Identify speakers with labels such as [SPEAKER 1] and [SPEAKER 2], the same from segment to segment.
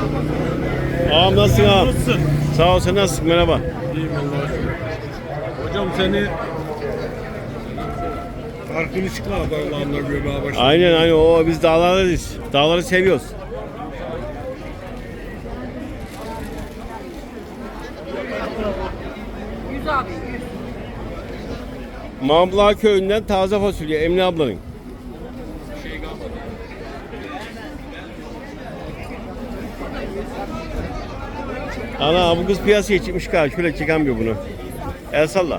[SPEAKER 1] Ağam nasılsın ağam?
[SPEAKER 2] Nasılsın?
[SPEAKER 1] Sağ ol, sen nasılsın? Merhaba.
[SPEAKER 2] İyiyim Allah'a şükür. Hocam seni farklı çıkma adamlarla görmeye başladım.
[SPEAKER 1] Aynen o biz dağlardayız. Dağları seviyoruz. Mambla köyünden taze fasulye Emine ablanın. Ana bu kız piyasaya çıkmış galiba. Şöyle çıkamıyor bunu. El salla.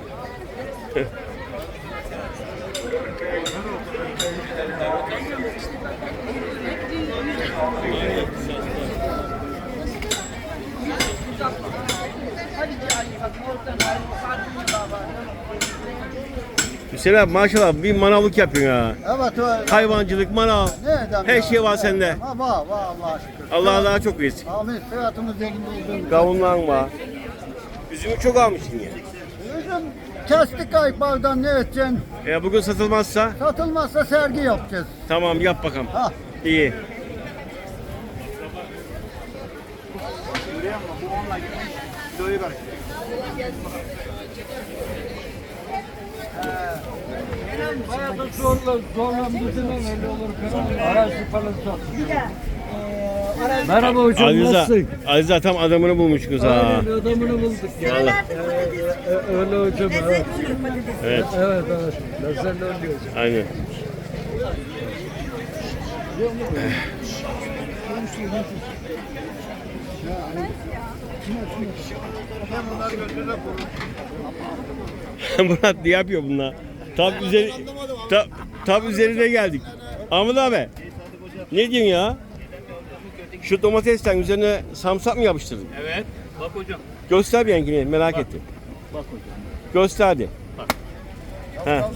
[SPEAKER 1] Hüseyin abi maşallah bir manavlık yapıyorsun ha.
[SPEAKER 3] Evet öyle.
[SPEAKER 1] Hayvancılık, manav. Her şey var sende.
[SPEAKER 3] Ha, var Allah'a şükür.
[SPEAKER 1] Allah daha çok versin.
[SPEAKER 3] Amin. Hayatımız zengin olduğunu.
[SPEAKER 1] Kavunlan var. Üzümü çok almışsın ya.
[SPEAKER 3] Üzüm kestik ayıklardan ne edeceksin?
[SPEAKER 1] Bugün satılmazsa
[SPEAKER 3] Satılmazsa sergi yapacağız.
[SPEAKER 1] tamam yap bakalım.
[SPEAKER 3] Ha.
[SPEAKER 1] İyi.
[SPEAKER 2] Hayatın zorlandırdığından öyle olur. Arazi falan satın. Merhaba hocam, nasılsın?
[SPEAKER 1] Aliza tam adamını bulmuşsunuz ha.
[SPEAKER 2] Aynen adamını bulduk ya.
[SPEAKER 1] Vallahi.
[SPEAKER 2] Öyle hocam. Evet.
[SPEAKER 1] Evet.
[SPEAKER 2] Evet. Ben seninle oynuyoruz.
[SPEAKER 1] Aynen. Murat ne yapıyor bunlar? Tam üzerine geldik. Ahmet abi. Ne diyorsun ya? Şu domatesten üzerine samsak mı yapıştırdın?
[SPEAKER 2] Evet. Bak hocam.
[SPEAKER 1] Göster bir yengini merak ettim.
[SPEAKER 2] Bak hocam.
[SPEAKER 1] Göster hadi.
[SPEAKER 2] Bak.
[SPEAKER 1] Ha.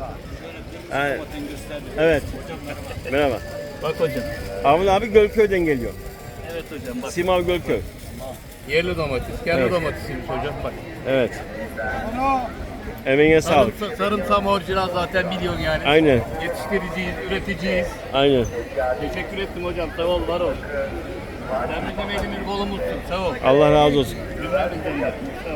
[SPEAKER 1] Evet. Merhaba.
[SPEAKER 2] Bak hocam.
[SPEAKER 1] Ahmet abi Gölköy'den geliyor.
[SPEAKER 2] Evet hocam bak.
[SPEAKER 1] Simav Gölköy.
[SPEAKER 2] Yerli domates. Kendi
[SPEAKER 1] Evet.
[SPEAKER 2] domatesiymiş hocam bak.
[SPEAKER 1] Evet. Emeğine sağlık.
[SPEAKER 2] Sarımsağım orijinal zaten biliyorsun yani.
[SPEAKER 1] Aynen.
[SPEAKER 2] Yetiştiriciyiz, üreticiyiz.
[SPEAKER 1] Aynen.
[SPEAKER 2] Teşekkür ettim hocam. Sağ ol, var ol. Sen bizim elimiz kolumuzsun. Sağ ol.
[SPEAKER 1] Allah razı olsun.
[SPEAKER 2] Günler bizden. Sağ ol.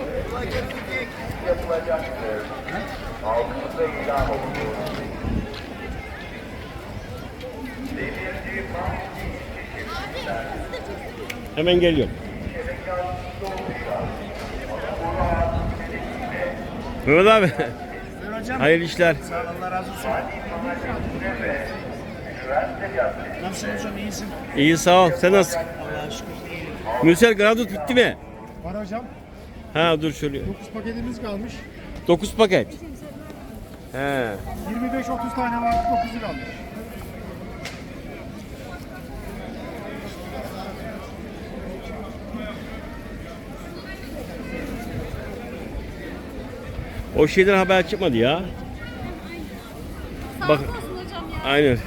[SPEAKER 1] Hemen geliyorum. Mehmet abi. Hayırlı işler.
[SPEAKER 4] Sağ ol, Allah razı olsun. Nasılsın hocam, iyisin?
[SPEAKER 1] İyi sağ ol. Sen nasılsın?
[SPEAKER 4] Allah'a şükür.
[SPEAKER 1] Müsel Gradut bitti mi?
[SPEAKER 4] Var hocam,
[SPEAKER 1] Ha dur şöyle.
[SPEAKER 4] 9 paketimiz kalmış.
[SPEAKER 1] 9 paket. He.
[SPEAKER 4] 25-30 tane var, 9'u kalmış.
[SPEAKER 1] O şeyden haber çıkmadı ya. Bak. Aynen.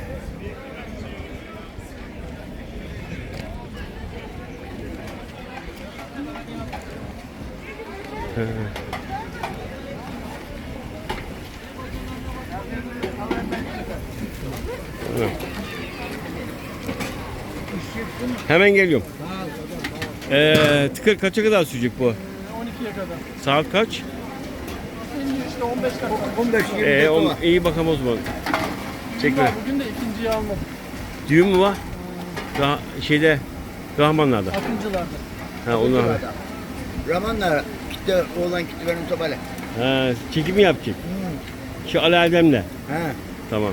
[SPEAKER 1] Hemen geliyorum. Tıkır kaça kadar sürecek bu?
[SPEAKER 4] 12'ye kadar.
[SPEAKER 1] Saat kaç?
[SPEAKER 4] Şimdi işte 15 dakika.
[SPEAKER 3] 15-20
[SPEAKER 1] İyi bakalım o zaman. Çekme.
[SPEAKER 4] Bugün de ikinciyi almadım.
[SPEAKER 1] Düğün mü var? Şeyde Rahmanlar'da.
[SPEAKER 4] Akıncılarda.
[SPEAKER 1] Ha onlar.
[SPEAKER 3] Ramanlar gitti, oğlan gitti benim topale.
[SPEAKER 1] Ha, çekim mi yapacak? Şu Ali Erdem'le.
[SPEAKER 3] Ha.
[SPEAKER 1] Tamam.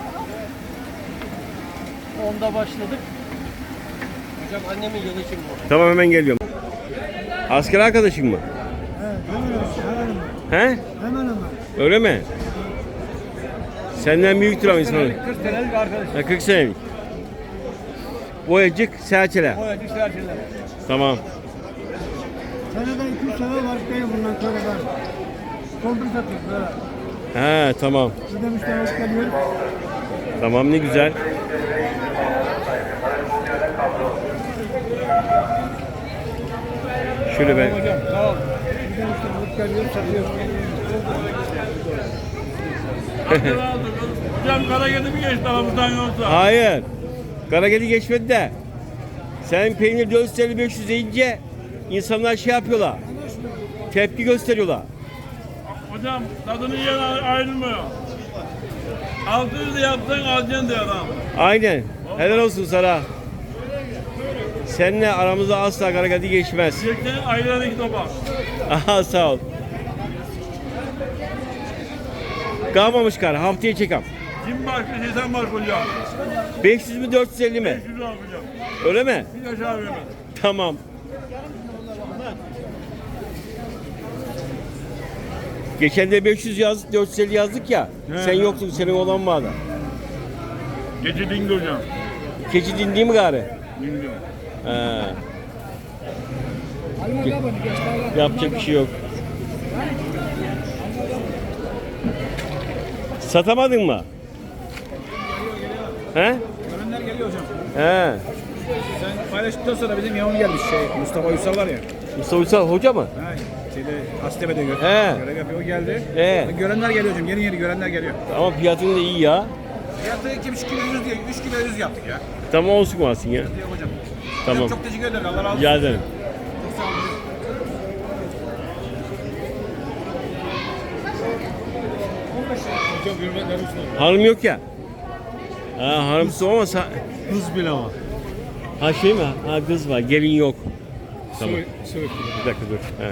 [SPEAKER 4] Onda başladık. Hocam annemin yılı için bu.
[SPEAKER 1] Tamam hemen geliyorum. Asker arkadaşın mı? He?
[SPEAKER 4] Hemen hemen.
[SPEAKER 1] Öyle mi? Senden büyüktür ama insanı.
[SPEAKER 4] 40 senelik arkadaş.
[SPEAKER 1] Ha, 40 senelik. Boyacık, serçeler.
[SPEAKER 4] Boyacı serçeler.
[SPEAKER 1] Tamam.
[SPEAKER 4] Seneden 200 sene var değil bundan sonra ben. Kondur satıyoruz böyle.
[SPEAKER 1] He tamam.
[SPEAKER 4] Bir de müşteri hoş geliyor.
[SPEAKER 1] Tamam ne güzel. Şöyle ben.
[SPEAKER 4] Hocam sağ ol. Bir de müşteri hoş geliyor satıyoruz.
[SPEAKER 2] Hocam kara gedi mi geçti aramızdan yoksa?
[SPEAKER 1] Hayır. Karagedi geçmedi de. Sen peynir 450-500 deyince insanlar şey yapıyorlar. Tepki gösteriyorlar.
[SPEAKER 2] Hocam tadını yiyen ayrılmıyor. 600 de yapsan alacaksın diyor adam.
[SPEAKER 1] Aynen. Helal olsun sana. Seninle aramızda asla karakati geçmez.
[SPEAKER 2] Diyecekten ayran 2 topa.
[SPEAKER 1] Aha sağ ol. Kalmamış kar. Haftaya çekam.
[SPEAKER 2] Kim başka sen var hocam.
[SPEAKER 1] 500 mü 450 mi?
[SPEAKER 2] 500 lira hocam.
[SPEAKER 1] Öyle mi?
[SPEAKER 2] Bir aşağı vermez.
[SPEAKER 1] Tamam. Geçen de 500 yazdık, 450 yazdık ya.
[SPEAKER 2] He.
[SPEAKER 1] Sen yoktun, senin olan vardı.
[SPEAKER 2] Gece dindi hocam.
[SPEAKER 1] Keçi dindi mi gari?
[SPEAKER 2] Dindi.
[SPEAKER 1] He. Yapacak bir şey yok. Satamadın mı? He?
[SPEAKER 5] Görenler geliyor hocam.
[SPEAKER 1] He.
[SPEAKER 5] Sen paylaştıktan sonra bizim yavrum gelmiş Mustafa Uysal var ya.
[SPEAKER 1] Mustafa Uysal hoca mı?
[SPEAKER 5] Ha, şeyde Hastepe'de
[SPEAKER 1] He.
[SPEAKER 5] görev yapıyor o geldi.
[SPEAKER 1] He.
[SPEAKER 5] Görenler geliyor hocam. Yeni görenler geliyor.
[SPEAKER 1] Ama fiyatın da iyi ya.
[SPEAKER 5] Fiyatı 2,5 kilo 100 diye 3 kilo 100 yaptık ya.
[SPEAKER 1] Tamam olsun varsın ya.
[SPEAKER 5] Diyor hocam.
[SPEAKER 1] Tamam.
[SPEAKER 5] Hocam çok teşekkür ederim. Allah razı olsun.
[SPEAKER 1] Rica ederim.
[SPEAKER 5] Çok sağ olun. Hocam hürmetler olsun.
[SPEAKER 1] Hanım yok ya. Ha hanımsız ama
[SPEAKER 5] Hız bile ama.
[SPEAKER 1] ha şey mi? Ha kız var, gelin yok. Tamam.
[SPEAKER 5] Söyle.
[SPEAKER 1] Bir dakika dur. He.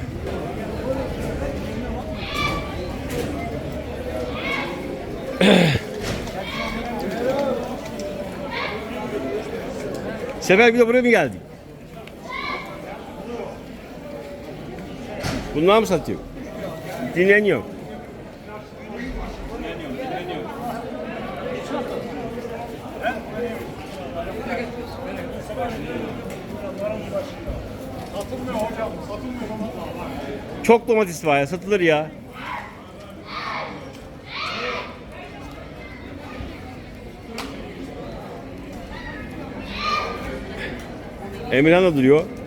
[SPEAKER 1] Sefer bir de buraya mı geldik? Bunlar mı satıyor? Dinleniyor. Çok domates var ya, satılır ya. Emirhan da duruyor.